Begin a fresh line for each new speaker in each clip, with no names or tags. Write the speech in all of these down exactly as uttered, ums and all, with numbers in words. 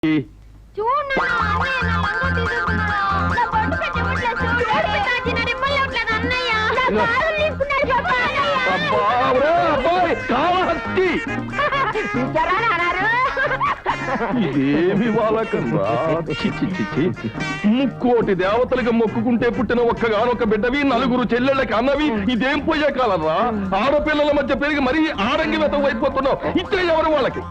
ఇదేమి వాళ్ళకన్నా ముక్కోటి దేవతలకు మొక్కుకుంటే పుట్టిన ఒక్కగానొక్క బిడ్డవి నలుగురు చెల్లెళ్ళకి అన్నవి ఇదేం పోయే కాలరా? ఆడపిల్లల మధ్య పెరిగి మరీ ఆడంగి వెతం అయిపోతున్నావు. ఇచ్చే ఎవరు వాళ్ళకి?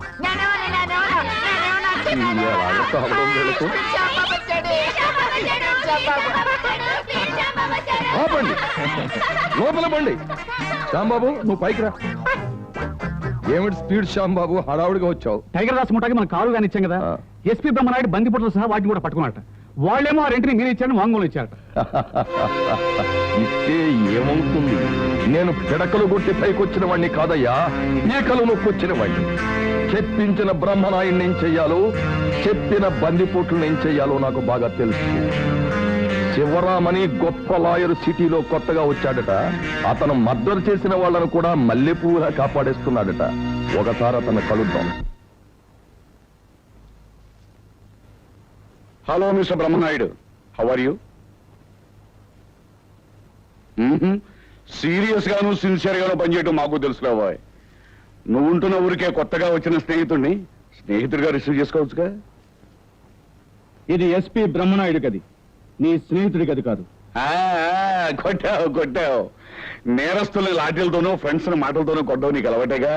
ఆపండి, లోపల బండి. శ్యాంబాబు నువ్వు పైకి రా. ఏమిటి స్పీడ్ శ్యాంబాబు, హడావుడిగా వచ్చావు?
టైగర్ దాస్ ముఠాకి మనం కారు కానీ ఇచ్చాం కదా, ఎస్పీ బ్రహ్మనాయుడు బందిపొట్లు సహా వాటిని కూడా పట్టుకున్నట్ట. వాళ్ళేమో ఆ రెంటిని మీరు ఇచ్చారని వాంగ్మూలం ఇచ్చారట.
ఇస్తే ఏమవుతుంది? నేను పిడకలు కొట్టి పైకొచ్చిన వాడిని కాదయ్యా, ఏకలు నొక్కొచ్చిన వాడిని. చెప్పించిన బ్రహ్మనాయుడిని ఏం చెయ్యాలో, చెప్పిన బందిపోట్లను ఏం చెయ్యాలో నాకు బాగా తెలుసు. శివరామని గొప్ప లాయర్ సిటీలో కొత్తగా వచ్చాడట. అతను మర్డర్ చేసిన వాళ్ళను కూడా మల్లెపూలా కాపాడేస్తున్నాడట. ఒకసారి అతను కలుద్దాం.
Hello mister Brahmanayudu, how are you? Serious గాను సిన్సియర్ గాను పనిచేయటం మాకు తెలుసులేవా? నువ్వు ఉంటున్న ఊరికే కొత్తగా వచ్చిన స్నేహితుడిని స్నేహితుడిగా రిసీవ్ చేసుకోవచ్చుగా.
ఇది ఎస్పీ బ్రహ్మనాయుడు గది, నీ స్నేహితుడి గది కాదు.
కొట్టావు కొట్టావు. నేరస్తుల్ని లాఠీలతోనూ ఫ్రెండ్స్ మాటలతోనూ కొట్టవు నీకు అలవాటేగా.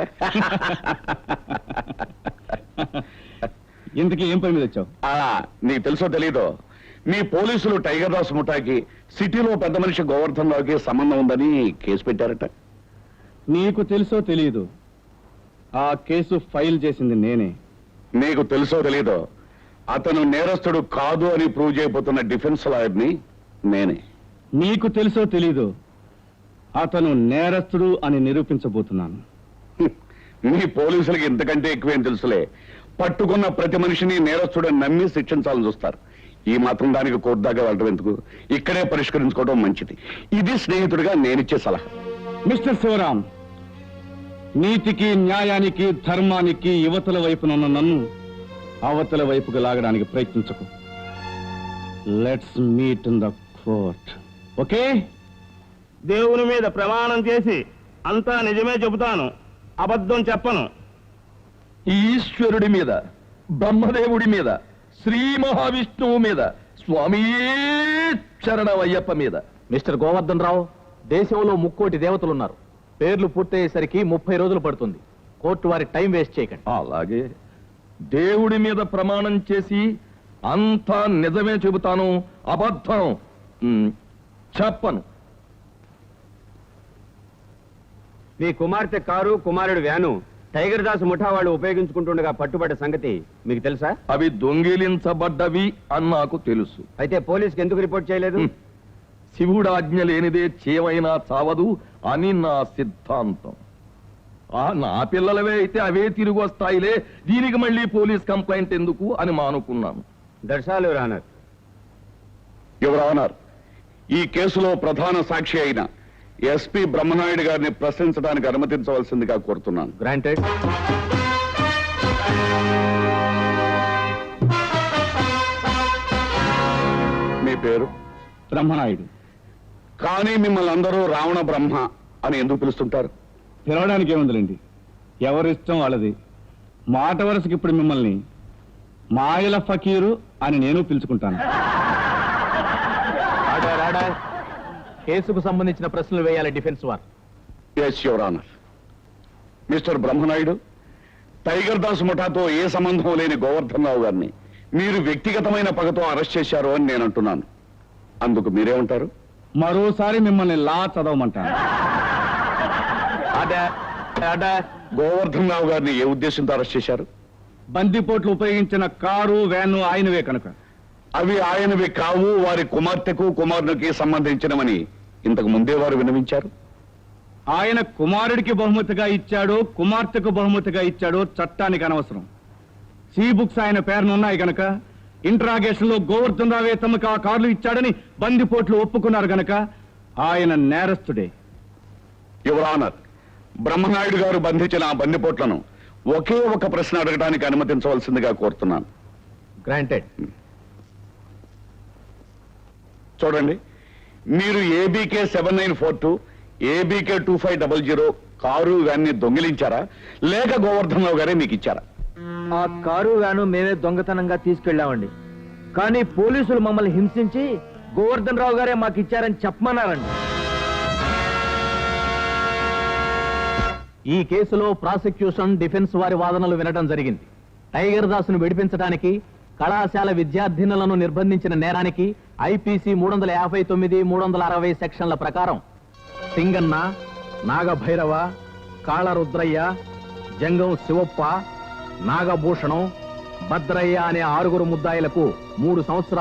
ఇంతకీ ఏం పని మీద వచ్చావు?
నీకు తెలుసో తెలీదో, మీ పోలీసులు టైగర్ దాస్ ముఠాకి సిటీలో పెద్ద మనిషి గోవర్ధన్ రావుకి సంబంధం ఉందని కేసు పెట్టారట.
నీకు తెలుసో తెలీదు, ఆ కేసు ఫైల్ చేసింది నేనే.
నీకు తెలుసో తెలీదో, అతను నేరస్తుడు కాదు అని ప్రూవ్ చేయబోతున్న డిఫెన్స్ లాయర్ని నేనే.
నీకు తెలుసో తెలీదు, అతను నేరస్తుడు అని నిరూపించబోతున్నాను.
మీ పోలీసులకి ఇంతకంటే ఎక్కువేం తెలుసులే. పట్టుకున్న ప్రతి మనిషిని నేరస్తుడని నమ్మి శిక్షించాలని చూస్తారు. ఈ మాత్రం దానికి కోర్టు దాకా వెళ్ళడం ఎందుకు? ఇక్కడే పరిష్కరించుకోవడం మంచిది. ఇది స్నేహితుడిగా నేనిచ్చే సలహా.
మిస్టర్ శివరాం, నీతికి న్యాయానికి ధర్మానికి యువతల వైపునున్న నన్ను అవతల వైపుకు లాగడానికి ప్రయత్నించకు. Let's meet in the court, okay?
దేవుని మీద ప్రమాణం చేసి అంతా నిజమే చెబుతాను, అబద్ధం చెప్పను.
ఈశ్వరుడి మీద, బ్రహ్మదేవుడి మీద, శ్రీ మహావిష్ణువు మీద, స్వామి శరణమయ్యప్ప మీద.
మిస్టర్ గోవర్ధన్ రావు, దేశంలో ముక్కోటి దేవతలున్నారు. పేర్లు పూర్తయ్యేసరికి ముప్పై రోజులు పడుతుంది. కోర్టు వారి టైం వేస్ట్ చేయకండి.
అలాగే దేవుడి మీద ప్రమాణం చేసి అంతా నిజమే చెబుతాను, అబద్ధం చెప్పను.
మీ కుమార్తె కారు, కుమారుడు వ్యాను టైగర్ దాస్ ముఠా వాళ్ళు ఉపయోగించుకుంటుండగా పట్టుబడ్డ సంగతి మీకు తెలుసా?
అవి దొంగిలించబడ్డవి అని నాకు తెలుసు.
అయితే పోలీసుకి ఎందుకు రిపోర్ట్ చేయలేదు?
శివుడు ఆజ్ఞ లేనిదే చేయమైనా చావదు అని నా సిద్ధాంతం. ఆ నా పిల్లలవే అయితే అవే తిరిగి వస్తాయిలే, దీనికి మళ్ళీ పోలీస్ కంప్లైంట్ ఎందుకు అని మానుకున్నాను.
దర్శాలు రానర్
యువర్ ఆనర్, ఈ కేసులో ప్రధాన సాక్షి అయిన ఎస్పీ బ్రహ్మనాయుడు గారిని ప్రశ్నించడానికి అనుమతించవలసిందిగా కోరుతున్నాను.
గ్రాంటెడ్.
మీ పేరు?
బ్రహ్మనాయుడు.
కానీ మిమ్మల్ని అందరూ రావణ బ్రహ్మ అని ఎందుకు పిలుస్తుంటారు?
పిలవడానికి ఏముందిలేండి, ఎవరిష్టం వాళ్ళది. మాట వరుసకి ఇప్పుడు మిమ్మల్ని మాయల ఫకీరు అని నేను పిలుచుకుంటాను.
కేసుకు సంబంధించిన ప్రశ్నలు వేయాలి డిఫెన్స్ వారు.
Yes your honour. Mister Brahmanayudu, tiger Das ముఠాతో ఏ సంబంధం లేని గోవర్ధన్ రావు గారిని మీరు వ్యక్తిగతమైన పగతో అరెస్ట్ చేశారు అని నేను అంటున్నాను. అందుకు మీరేమంటారు?
మరోసారి మిమ్మల్ని లా చదవమంటాను.
గోవర్ధన్ రావు గారిని ఏ ఉద్దేశంతో అరెస్ట్ చేశారు?
బందిపోట్లు ఉపయోగించిన కారు, వ్యాను ఆయనవే కనుక.
అవి ఆయనవి కావు, వారి కుమార్తెకు కుమారునికి సంబంధించినవని ఇంతకు ముందే వారు విన్నవించారు.
ఆయన కుమారుడికి బహుమతిగా ఇచ్చాడో కుమార్తెకు బహుమతిగా ఇచ్చాడో చట్టానికి అనవసరం. సీ బుక్స్ ఆయన పేరునున్నాయి గనక, ఇంట్రాగేషన్ లో గోవర్ధన్ రావే తమకు ఆ కార్లు ఇచ్చాడని బందిపోట్లు ఒప్పుకున్నారు గనక ఆయన నేరస్తుడే.
యువర్ ఆనర్, బ్రహ్మనాయుడు గారు బంధించిన ఆ బందిపోట్లను ఒకే ఒక ప్రశ్న అడగడానికి అనుమతించవలసిందిగా కోరుతున్నాను.
గ్రాంటెడ్.
చూడండి, మీరు ABK seven nine four two ABK two five double zero car వ్యాన్ని దొంగిలించారా లేక గోవర్ధన్ రావు గారే మీకు ఇచ్చారా?
ఆ కారు వ్యాను మేమే దొంగతనంగా తీసుకెళ్ళామండి. కానీ పోలీసులు మమ్మల్ని హింసించి గోవర్ధన్ రావు గారే మాకు ఇచ్చారని చెప్పమన్నారండి.
ఈ కేసులో ప్రాసిక్యూషన్ డిఫెన్స్ వారి వాదనలు వినడం జరిగింది. టైగర్ దాసును విడిపించడానికి కళాశాల విద్యార్థినులను నిర్బంధించిన నేరానికి ఐపీసీ మూడు వందల యాభై తొమ్మిది మూడు వందల అరవై సెక్షన్ల ప్రకారం సింగన్న, నాగభైరవ, కాళరుద్రయ్య, జంగం శివప్ప, నాగభూషణం, భద్రయ్య అనే ఆరుగురు ముద్దాయిలకు మూడు సంవత్సరాలు